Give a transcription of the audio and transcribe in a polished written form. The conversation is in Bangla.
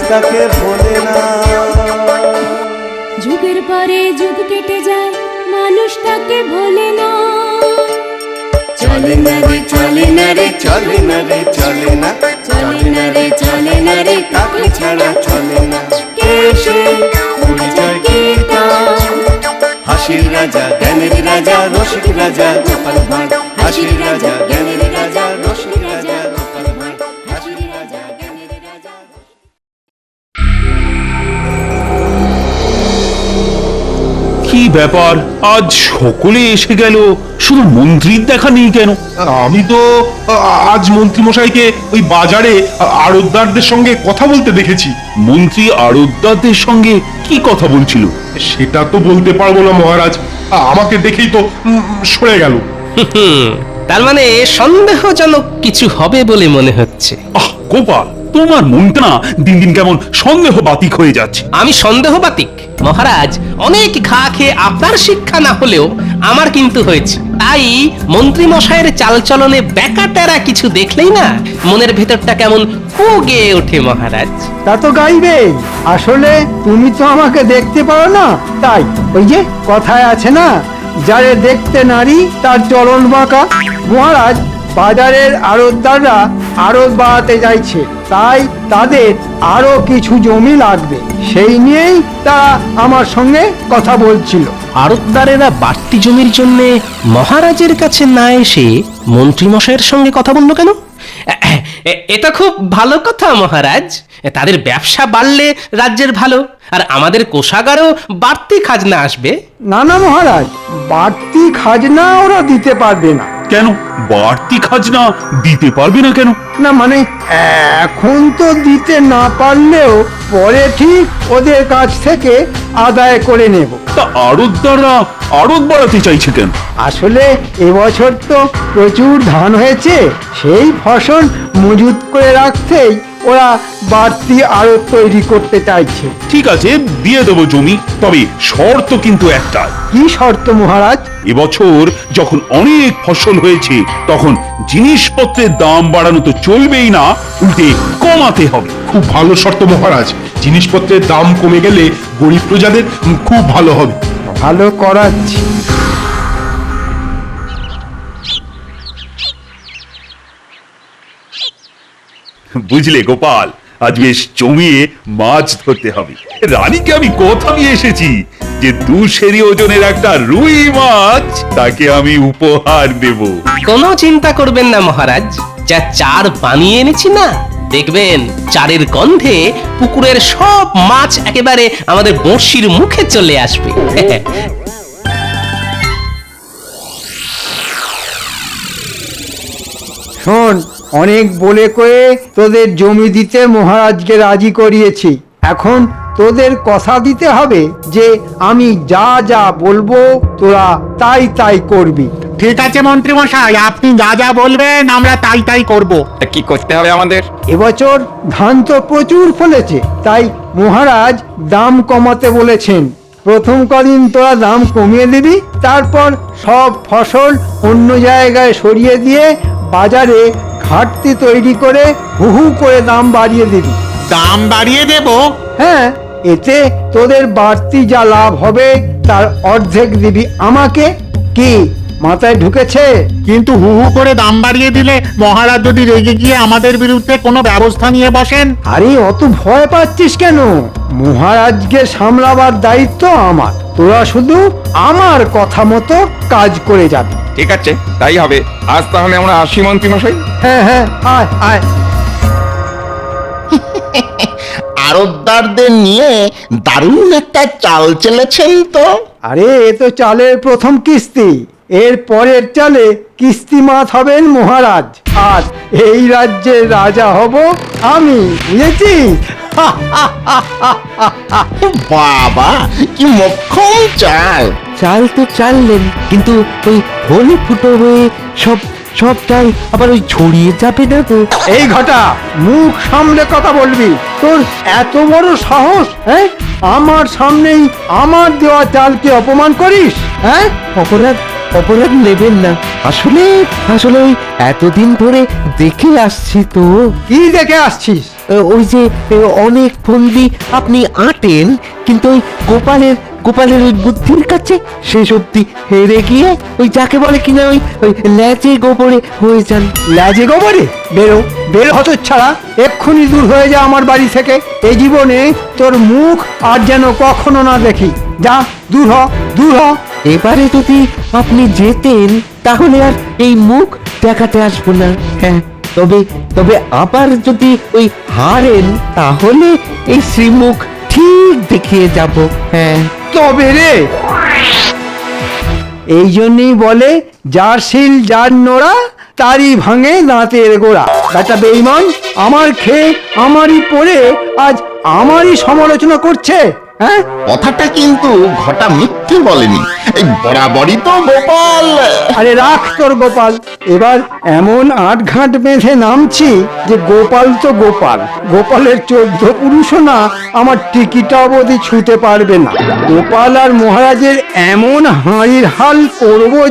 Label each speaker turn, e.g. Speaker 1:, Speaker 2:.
Speaker 1: তাকে ভোলে না।
Speaker 2: যুগের পরে যুগ কেটে যায়, মানুষ তাকে ভোলে না।
Speaker 1: চলে না রে চলে না রে চলে না রে চলে না, চলে না রে চলে না রে তাকে ছাড়া চলে না। কে সে পরিচয় গীতা, হাসির রাজা জ্ঞানের রাজা রসিক রাজা গোপাল ভাঁড়, হাসির রাজা জ্ঞানের রাজা রসিক রাজা গোপাল ভাঁড়, হাসির রাজা জ্ঞানের রাজা।
Speaker 3: কি ব্যাপার, আজ সকলে এসে গেল, শুধু মন্ত্রীর দেখা নেই কেন?
Speaker 4: আমি তো আজ মন্ত্রী মশাইকে ওই বাজারে আড়তদারদের সঙ্গে কথা বলতে দেখেছি।
Speaker 3: মন্ত্রী আড়তদারদের সঙ্গে কি কথা বলছিল?
Speaker 4: সেটা তো বলতে পারবো না মহারাজ, আমাকে দেখেই তো সরে গেল।
Speaker 5: তার মানে সন্দেহজনক কিছু হবে বলে মনে হচ্ছে।
Speaker 3: আহ গোপাল, তোমার মনটা না দিন দিন কেমন সন্দেহ বাতিক হয়ে যাচ্ছে।
Speaker 5: আমি সন্দেহবাতিক মহারাজ, অনেক ঘা খেয়ে আপনার শিক্ষা না হলেও আমার কিন্তু হয়েছে। তাই মন্ত্রী মশাইয়ের চালচলনে ব্যাকাটেরা কিছু দেখলেই না মনের ভেতরটা কেমন কু গেয়ে ওঠে মহারাজ।
Speaker 6: তা তো গাইবে, আসলে তুমি তো আমাকে দেখতে পারো না, তাই ওই যে কথায় আছে না, যারে দেখতে নারী তার চলন বাঁকা। মহারাজ, বাজারের আড়তদাররা আড়ত বাড়াতে চাইছে, তাই তাদের আরো কিছু জমি লাগবে, সেই নিয়েই তারা আমার সঙ্গে কথা বলছিল।
Speaker 5: আড়তদারেরা বাড়তি জমির জন্য মহারাজের কাছে না এসে মন্ত্রী মশাইয়ের সঙ্গে কথা বললো কেন? এটা খুব ভালো কথা মহারাজ, তাদের ব্যবসা বাড়লে রাজ্যের ভালো, আর আমাদের কোষাগারেও বাড়তি খাজনা আসবে।
Speaker 6: না না মহারাজ, বাড়তি খাজনা ওরা দিতে পারবে না।
Speaker 3: কেন বাড়তি খাজনা দিতে পারবে না কেন?
Speaker 6: না মানে এখন তো দিতে না পারলেও পরে ঠিক ওদের কাছ থেকে আদায় করে নেব।
Speaker 3: তা আড়তদাররা আড়ত বাড়াতে চাইছে কেন?
Speaker 6: আসলে এবছর তো প্রচুর ধান হয়েছে, সেই ফসল মজুত করে রাখতেই ওরা বাড়তি আড়ত তৈরি করতে চাইছে।
Speaker 3: ঠিক আছে, দিয়ে দেবো জমি, তবে শর্ত কিন্তু একটা।
Speaker 6: কি শর্ত মহারাজ?
Speaker 3: এবছর যখন অনেক ফসল হয়েছে তখন জিনিসপত্রের দাম বাড়ানো তো চলবেই না, উল্টে কমাতে হবে।
Speaker 4: খুব ভালো শর্ত মহারাজ, জিনিসপত্রের দাম কমে গেলে গরিব প্রজাদের খুব ভালো হবে।
Speaker 6: ভালো করাচ্ছি।
Speaker 3: বুঝলে গোপাল, আজ বেশ জমিয়ে মাছ ধরতে হবে। রানীকে আমি কথা দিয়ে এসেছি যে 2 সেরি ওজনের একটা রুই মাছ তাকে আমি উপহার দেব।
Speaker 5: কোনো চিন্তা করবেন না মহারাজ, যা চার বানিয়ে এনেছি না, দেখবেন চারের গন্ধে পুকুরের সব মাছ একেবারে আমাদের বড়শির মুখে চলে আসবে।
Speaker 6: শোন, অনেক বলে কয়ে তোদের জমি দিতে মহারাজকে রাজি করিয়েছি, এখন তোদের কথা দিতে হবে যে আমি যা যা বলবো তোরা তাই তাই করবি।
Speaker 7: ঠিক আছে মন্ত্রী মশাই, আপনি যা যা বলবেন আমরা তাই তাই করব।
Speaker 8: কি করতে হবে আমাদের?
Speaker 6: এবছর ধান তো প্রচুর ফলেছে, তাই মহারাজ দাম কমাতে বলেছেন। প্রথম কদিন তোরা দাম কমিয়ে দিবি, তারপর সব ফসল অন্য জায়গায় সরিয়ে দিয়ে বাজারে ঘাটতি তৈরি করে হু হু করে দাম বাড়িয়ে দিবি।
Speaker 7: দাম বাড়িয়ে দেব?
Speaker 6: হ্যাঁ, এতে তোদের বাড়তি যা লাভ হবে তার অর্ধেক দিবি আমাকে। কি মাথায় ঢুকেছে?
Speaker 7: কিন্তু হু হু করে দাম বাড়িয়ে দিলে মহারাজ যদি রেগে গিয়ে আমাদের বিরুদ্ধে কোনো ব্যবস্থা নিয়ে বসেন?
Speaker 6: আরে অত ভয় পাচ্ছিস কেন? মহারাজকে সামলাবার দায়িত্ব আমার, তোরা শুধু আমার কথা মতো কাজ করে যাবি।
Speaker 8: ঠিক আছে, তাই হবে। আজ তাহলে আমরা আসি মন্ত্রী মশাই।
Speaker 6: হ্যাঁ হ্যাঁ, আয় আয়।
Speaker 9: আড়তদারদের নিয়ে দারুণ একটা চাল চেলেছেন তো।
Speaker 6: আরে এ তো চালের প্রথম কিস্তি, এর পরের চালে কিস্তি মাত হবেন মহারাজ, আর এই রাজ্যের রাজা হব আমি, বুঝেছিস?
Speaker 9: বাবা, কি মক্ষম চাল!
Speaker 10: চাল তো চাললেন, কিন্তু ওই হোলি ফুটো হয়ে সব সব চাল আবার ওই ছড়িয়ে যাবে না তো?
Speaker 6: এই ঘটা, মুখ সামলে কথা বলবি। তোর এত বড় সাহস, হ্যাঁ? আমার সামনেই আমার দেওয়া চালকে অপমান করিস, হ্যাঁ?
Speaker 10: অপরাধ অপরাধ নেবেন না। আসলে আসলে ওই এতদিন ধরে দেখে আসছি তো,
Speaker 6: কি দেখে আসছিস?
Speaker 10: ওই যে অনেক ফন্দি আপনি আঁটেন, কিন্তু ওই গোপালের ওই বুদ্ধির কাছে শেষ অব্দি হেরে গিয়ে ওই যাকে বলে কিনা ওই ল্যাচে গোবরে হয়ে যান।
Speaker 6: লাজে গোবরে? বেরো বের হতো ছাড়া, এক্ষুনি দূর হয়ে যা আমার বাড়ি থেকে। এই জীবনে তোর মুখ আর যেন কখনো না দেখি। যা, দূর হ, দূর হ।
Speaker 10: এবারে যদি আপনি যেতেন তাহলে আর এই মুখ দেখাতে আসবো না। হ্যাঁ, তবে আবার যদি ওই হারেন তাহলে এই শ্রীমুখ ঠিক দেখিয়ে যাব। হ্যাঁ,
Speaker 6: তবে রে, এই জন্যই বলে যার শিল যার নোড়া, তারই ভাঙে দাঁতের গোড়া। বেটা বেঈমান, আমার খেয়ে আমারই পড়ে আজ আমারই সমালোচনা করছে। হ্যাঁ,
Speaker 9: কথাটা কিন্তু ঘটা মিথ্যে বলেনি, এই বরাবরই তো গোপাল।
Speaker 6: আরে রাখ তোর গোপাল। এবার এমন আটঘাট বেঁধে নামছি যে গোপাল তো গোপাল, গোপালের 14 পুরুষও না আমার টিকিটা অবধি ছুঁতে পারবে না। গোপাল আর মহারাজের এমন হাঁড়ির হাল করবো